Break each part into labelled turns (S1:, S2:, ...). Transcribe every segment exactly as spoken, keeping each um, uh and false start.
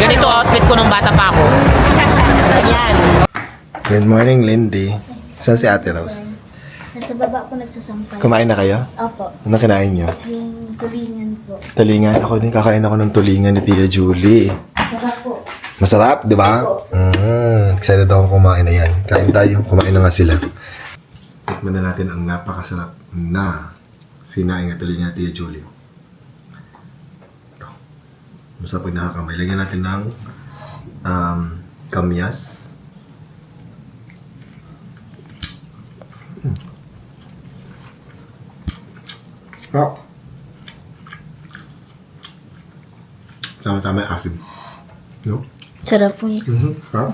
S1: Ganito outfit ko nung bata pa ako. Yan.
S2: Good morning, Lindy. Saan si Ate Rose?
S3: Nasa baba po nagsasampay.
S2: Kumain na kayo?
S3: Opo.
S2: Ano kinain nyo?
S3: Yung tulingan po.
S2: Tulingan. Ako din kakain ako ng tulingan ni Tia Julie.
S3: Sarap po.
S2: Masarap, di ba? Mm, excited ako kumain na yan. Kain tayo. Kumain na nga sila. Tikman na natin ang napakasarap na sinaing at tulingan ni Tia Julie. Ito. Masarap pag nakakamay. Lagyan natin ng um, kamyas. Oh. Tama-tama yung asim. No?
S3: Sarap po yun.
S2: Mm-hmm. Huh?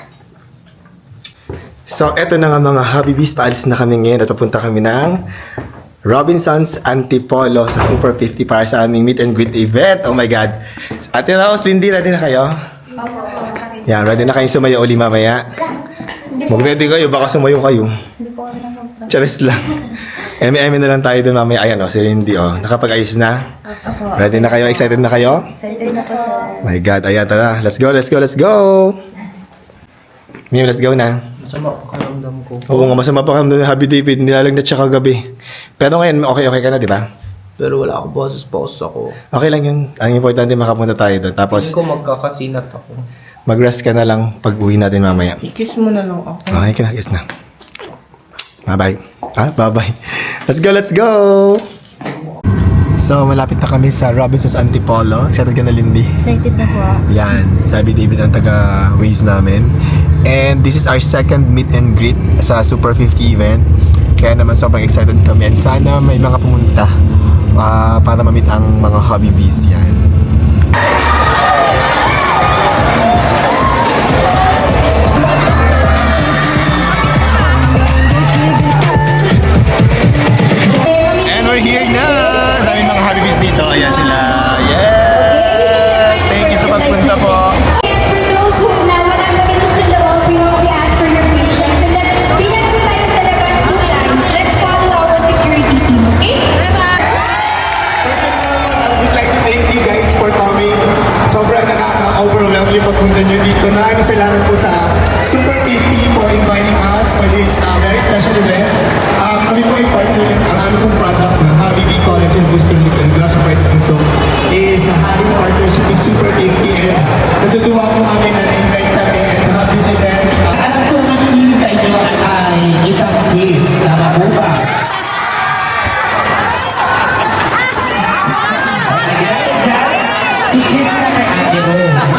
S2: So, eto na nga mga Habibis. Paalis na kami ngayon at papunta kami ng Robinson's Antipolo sa Super fifty para sa aming meet and greet event. Oh my God. Ate Rose, Lindy, ready na kayo? Yan, ready na kayong sumayo uli mamaya? Mag-ready kayo, baka sumayo kayo.
S3: Hindi po ako nang
S2: Charis lang. M M na lang tayo dun mamaya. Ayan o, si Lindy o. Nakapag-ayos na?
S3: Opo.
S2: Ready na kayo? Excited na kayo?
S3: Excited na po sir.
S2: My God, ayan, tara. Let's go, let's go, let's go! Mim, let's go na.
S4: Masama pakiramdam ko.
S2: Oo nga, masama pa kami ng Happy David. Nilalagnat siya kagabi. Pero ngayon, okay-okay ka na, di ba?
S4: Pero wala ako boses, pause ako.
S2: Okay lang yun. Ang importante, makapunta tayo doon. Tapos,
S4: Hindi ko magkakasinat ako.
S2: mag-rest ka na lang pag uwi natin mamaya.
S4: I-kiss mo na lang ako.
S2: Okay ka na, yes na. Bye-bye. Ah, bye-bye. Let's go, let's go! So, malapit na kami sa Robinson's Antipolo. Excited ka na, Lindy?
S3: Excited na po.
S2: Yan, sabi David ang taga-Waze namin. And this is our second meet and greet sa Super fifty event. Kaya naman sobrang excited kami. And sana may mga pumunta uh, para ma-meet ang mga hobby bees yan. And we're here na! Daming mga hobby bees dito. Ayan sila. Yes! Thank you sa pagpunta po.
S5: For those who na walang ganito sa loob, we only ask for your patience. And then, bilang po tayo sa labas two times, let's follow our security team, okay?
S2: I would like to thank you guys for coming. Sobrang nakaka-overwhelm yung pagpunta nyo dito. Maraming salamat po sa Super fifty for inviting us for this uh, very special event. Um, kami po yung partner ng ang aming pong product ng Habibie Collagen Booster Mix and Blush White and So is uh, having partnership with Super fifty and natutuwa po kami na na-invite kami and have this event.
S6: Alam ko ang hinihintay nyo ay isang quiz. Tama po ba? I-kiss na kay Ate Rose.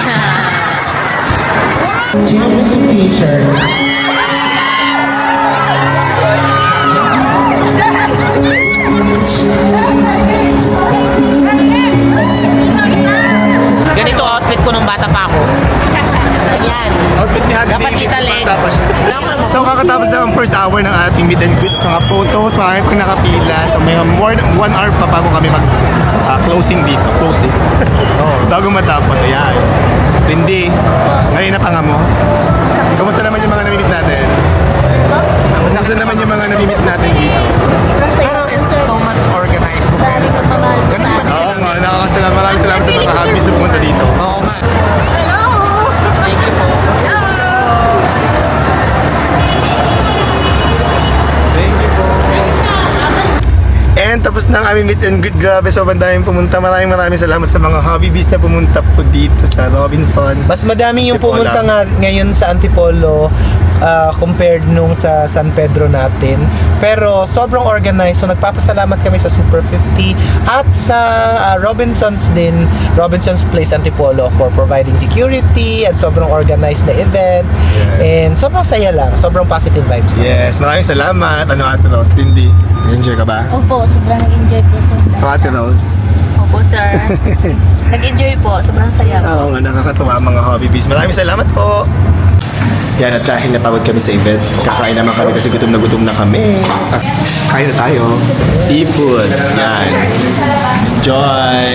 S6: Sino gusto t-shirt?
S1: Ganito outfit ko nung bata pa ako. Yan.
S2: Outfit ni Happy
S1: Dapat
S2: David.
S1: kita legs.
S2: Tapos, so kakatapos na ang first hour ng ating meet and greet. Mga photos, marami pang nakapila. So may more than one hour pa bago kami mag uh, closing dito. Closing. Bago matapos. Ayan. Lindy, ngayon na panga mo. Kamusta naman yung mga namimit natin? Kamusta naman yung mga namimit natin dito?
S1: Pero it's so much organized.
S3: Maraming magmamahal po sa amin.
S2: Oo nga, nakakasalamat. Maraming salamat sa mga habis na pumunta dito.
S1: Oo nga. Thank you po.
S2: Thank you po. And tapos na ang aming meet and greet. Grabe, sobrang daming pumunta. Maraming maraming salamat sa mga hobby bees na pumunta po dito sa Robinson's.
S4: Mas madami yung
S2: Antipolo.
S4: pumunta nga ngayon sa Antipolo uh, compared nung sa San Pedro natin. Pero sobrang organized. So nagpapasalamat kami sa Super fifty at sa uh, Robinson's din, Robinson's Place Antipolo for providing security at sobrang organized na event.
S2: Yes.
S4: And sobrang saya lang. Sobrang positive vibes lang.
S2: Yes, maraming salamat. Ano, Ate Rose? Lindy, enjoy ka ba?
S3: Opo, sobrang nag-enjoy po sir.
S2: Ako, Ate Rose.
S3: Opo sir. Nag-enjoy po, sobrang saya po.
S2: Oo nga, nakakatuwa ang mga hobby bees. Maraming salamat po. Yan, at dahil napagod kami sa event, kakain naman kami kasi gutom na gutom na kami. Ah, kain na tayo. Seafood. Yan. Enjoy!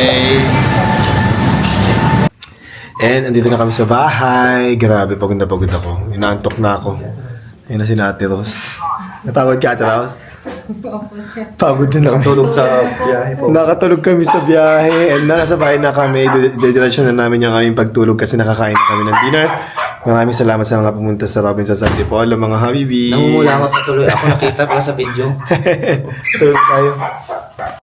S2: And andito na kami sa bahay. Grabe, pagod na pagod ako. Inaantok na ako. Yan na si Ate Rose. Napagod ka, Ate Rose?
S5: Opo, sir.
S2: Pagod din ako.
S7: Tulog sa biyahe po.
S2: Nakatulog kami sa biyahe and na nasa bahay na kami. Didiretso na namin yung aming pagtulog kasi nakakain na kami ng dinner. Maraming salamat sa mga pumunta sa Robinson San Antipolo, mga habibi.
S7: Namumula ako sa tuloy. Ako nakita pala sa video.
S2: Tulog tayo.